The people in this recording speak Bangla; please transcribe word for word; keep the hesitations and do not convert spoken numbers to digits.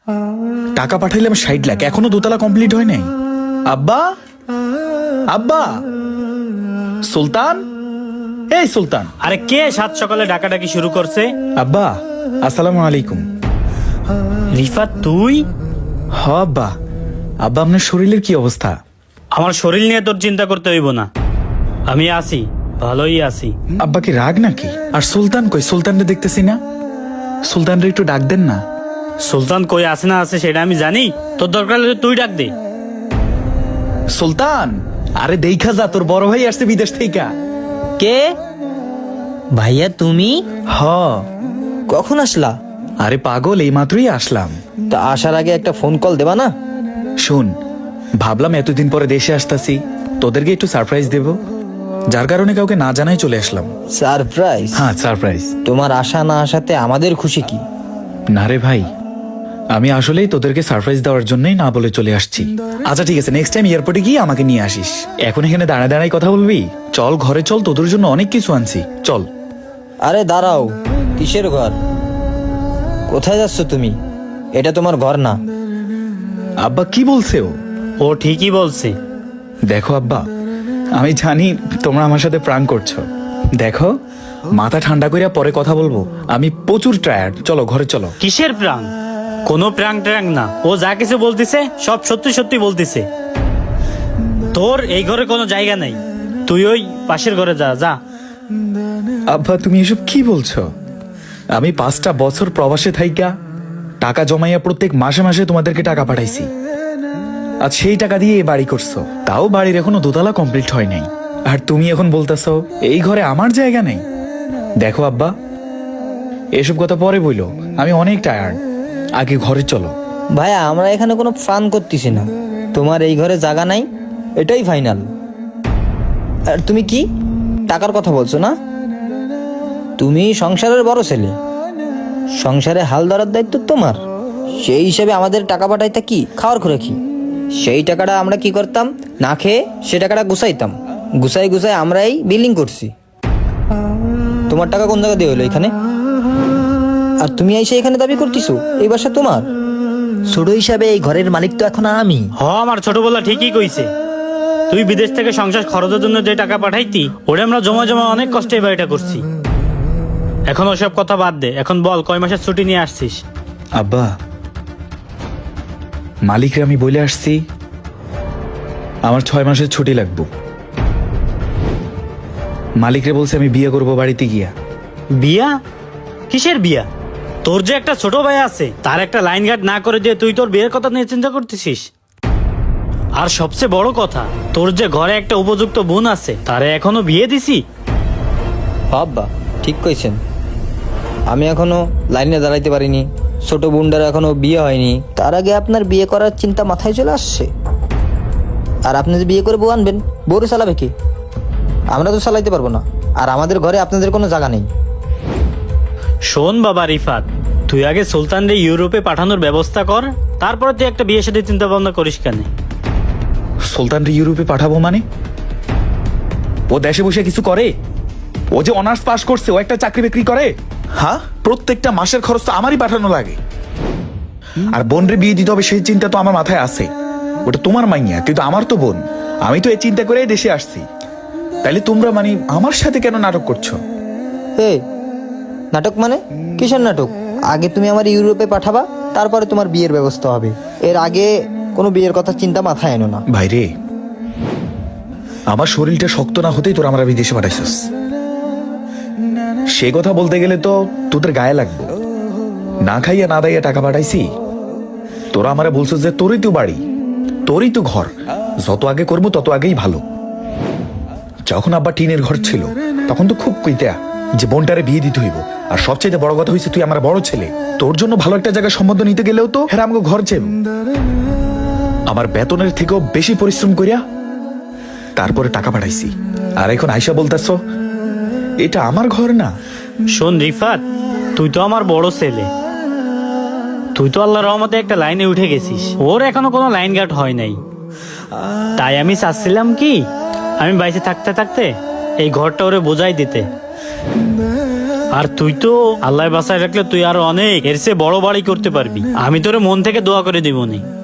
টাকা পাঠাইলাম ষাট লাখ, এখনো দোতলা কমপ্লিট হয় নাই। আব্বা, আব্বা, সুলতান, এই সুলতান। আরে কে সাত সকালে ডাকাডাকি শুরু করছে? আব্বা, আসসালামু আলাইকুম। রিফাত তুই? হ আব্বা। আব্বা, আপনার শরীরের কি অবস্থা? আমার শরীর নিয়ে তোর চিন্তা করতে হইব না, আমি আছি, ভালোই আছি। আব্বা কি রাগ নাকি? আর সুলতান কই? সুলতানরে দেখতেছি না। সুলতানরে একটু ডাক দেন না। সুলতান কই আছে না আছে সেটা আমি জানি, তোর দরকার হলে তুই ডাক দে। সুলতান, আরে দেখা যা, তোর বড় ভাই আসছে বিদেশ থেকে। কে? ভাইয়া তুমি? হ। কখন আসলা? আরে পাগল, এই মাত্রই আসলাম। তা আসার আগে একটা ফোন কল দেবা না? শুন, ভাবলাম এতদিন পরে দেশে আসতাছি, তোদেরকে একটু সারপ্রাইজ দেব, যার কারণে কাউকে না জানাই চলে আসলাম। সারপ্রাইজ? হ্যাঁ, সারপ্রাইজ। তোমার আসা না আসাতে আমাদের খুশি কি? না রে ভাই, আমি আসলেই তোদেরকে সারপ্রাইজ দেওয়ার জন্যই না বলে চলে আসছি। আচ্ছা ঠিক আছে, নেক্সট টাইম এয়ারপোর্টে গিয়ে আমাকে নিয়ে আসিস। এখন এখানে দাঁড়ায় দাঁড়ায় কথা বলবি? চল ঘরে চল, তোদের জন্য অনেক কিছু আনছি, চল। আরে দাঁড়াও, কিসের ঘর? কোথায় যাচ্ছ তুমি? এটা তোমার ঘর না। আব্বা কি বলছে ও? ও ঠিকই বলছে। দেখো আব্বা, আমি জানি তোমরা আমার সাথে প্রাণ করছো। দেখো, মাথা ঠান্ডা করিয়া পরে কথা বলবো, আমি প্রচুর টায়ার্ড। চলো ঘরে চলো। কিসের প্রাং? কোনো প্রাং ট্রাং না, ও যা কিছু বলতিছে সব সত্যি সত্যি বলতিছে। তোর এই ঘরে কোনো জায়গা নাই, তুই ওই পাশের ঘরে যা যা। আব্বা তুমি এসব কি বলছো? আমি পাঁচটা বছর প্রবাসে থাইকা টাকা জমাইয়া প্রত্যেক মাসে মাসে তোমাদেরকে টাকা পাঠাইছি, আর সেই টাকা দিয়ে এই বাড়ি করছো, তাও বাড়ির এখনো দোতলা কমপ্লিট হয় নাই, আর তুমি এখন বলতেছো এই ঘরে আমার জায়গা নেই। দেখো আব্বা, এসব কথা পরে বইলো, আমি অনেক টায়ার্ড, আগে ঘরে চলো। ভাইয়া আমরা এখানে কোনো ফান করতেছি না, তোমার এই ঘরে জায়গা নাই এটাই ফাইনাল। আর তুমি কি টাকার কথা বলছো না? তুমি সংসারের বড় ছেলে, সংসারে হাল ধরার দায়িত্ব তোমার। সেই হিসাবে আমাদের টাকা পাঠাইতা কি খাওয়ার করে কি? সেই টাকাটা আমরা কি করতাম, না খেয়ে সে টাকাটা গুছাইতাম, গুছাই গুছাই আমরাই বিলিং করছি। তোমার টাকা কোন জায়গা দিয়ে হলো এখানে? আর তুমি এসে এখানে দাবি করতেছো এই বাসা তোমার? ছোট হিসাবে এই ঘরের মালিক তো এখন আমি। হ, আমার ছোটবেলা ঠিকই কইছে। তুই বিদেশ থেকে সংসার খরচের জন্য যে টাকা পাঠাইতি, ওটা আমরা জমা জমা অনেক কষ্টে এই বাড়িটা করছি। এখন ওসব কথা বাদ দে, এখন বল কয় মাসের ছুটি নিয়ে আসছিস? আব্বা, মালিকরে আমি বলে আসছি আমার ছয় মাসের ছুটি লাগবে। মালিকরে বলছে আমি বিয়ে করবো বাড়িতে গিয়া। বিয়া? কিসের বিয়া? তোর যে একটা ছোট ভাই আছে, তার একটা লাইন গার্ড না করে দিয়ে তুই তোর বিয়ের কথা নিয়ে চিন্তা করতেছিস? আর সবচেয়ে বড় কথা, তোর যে ঘরে একটা উপযুক্ত বোন আছে, তারে এখনো বিয়ে দিছি? বাবা ঠিক কইছেন, আমি এখনো লাইনে দাঁড়াইতে পারিনি, ছোট বোনটার এখনো বিয়ে হয়নি, তার আগে আপনার বিয়ে করার চিন্তা মাথায় চলে আসছে। আর আপনি যে বিয়ে করে বউ আনবেন, বউরে চালাবে কি? আমরা তো চালাইতে পারবো না, আর আমাদের ঘরে আপনাদের কোনো জায়গা নেই। শোন বাবা রিফাত, তুই আগে সুলতানরে ইউরোপে পাঠানোর ব্যবস্থা কর, তারপরে তুই একটা বিয়ের সাথে চিন্তা ভাবনা করিস কেন? সুলতানরে ইউরোপে পাঠাবো মানে? ও দেশে বসে কিছু করে? ও যে অনার্স পাস করছে, ও একটা চাকরি বাকরি করে? হ্যাঁ, প্রত্যেকটা মাসের খরচ তো আমারই পাঠানো লাগে। আর বোনরে বিয়ে দিতে হবে সেই চিন্তা তো আমার মাথায় আছে। ওটা তোমার মাইয়া, কিন্তু আমার তো বোন। আমি তো এই চিন্তা করেই দেশে আসছি। তাইলে তোমরা মানে আমার সাথে কেন নাটক করছো? হে, নাটক মানে? কিসের নাটক? আগে তুমি আমার ইউরোপে পাঠাবা, তারপরে তোমার বিয়ের ব্যবস্থা হবে। এর আগে কোনো বিয়ের কথা চিন্তা মাথায় এনো না। ভাইরে, আমার শরীরটা শক্ত না হতেই তোরা আমরা বিদেশে পাঠাইছিস। সে কথা বলতে গেলে তো তোদের গায়ে লাগবে। না খাইয়া না দাইয়া টাকা পাঠাইছি, তোরা আমারে বলছিস যে তোরই তো বাড়ি, তোরই তো ঘর, যত আগে করবো তত আগেই ভালো। যখন আব্বা টিনের ঘর ছিল, তখন তো খুব কইতা যে বোনটারে বিয়ে দিতে হইব। আর সবচেয়ে বড় কথা হয়েছে তুই আমার বড় ছেলে, তোর জন্য ভালো একটা জায়গায় সম্বন্ধ নিতে গেলেও তো হ্যাঁ আমাকে ঘর চাইব। আমার বেতনের থেকেও বেশি পরিশ্রম করিয়া তারপরে টাকা পাঠাইছি, আর এখন আয়সা বলতেছ এটা আমার ঘর না। শোন রিফাত, তুই তো আমার বড় ছেলে, তুই তো আল্লাহর রহমতে একটা লাইনে উঠে গেছিস, ওর এখনো কোনো লাইন গার্ড হয় নাই। তাই আমি চাচ্ছিলাম কি, আমি বাইরে থাকতে থাকতে এই ঘরটা ওরে বোঝাই দিতে। আর তুই তো আল্লাহ বাসায় রাখলে তুই আরো অনেক এর চেয়ে বড় বাড়ি করতে পারবি। আমি তোরে মন থেকে দোয়া করে দিবনি।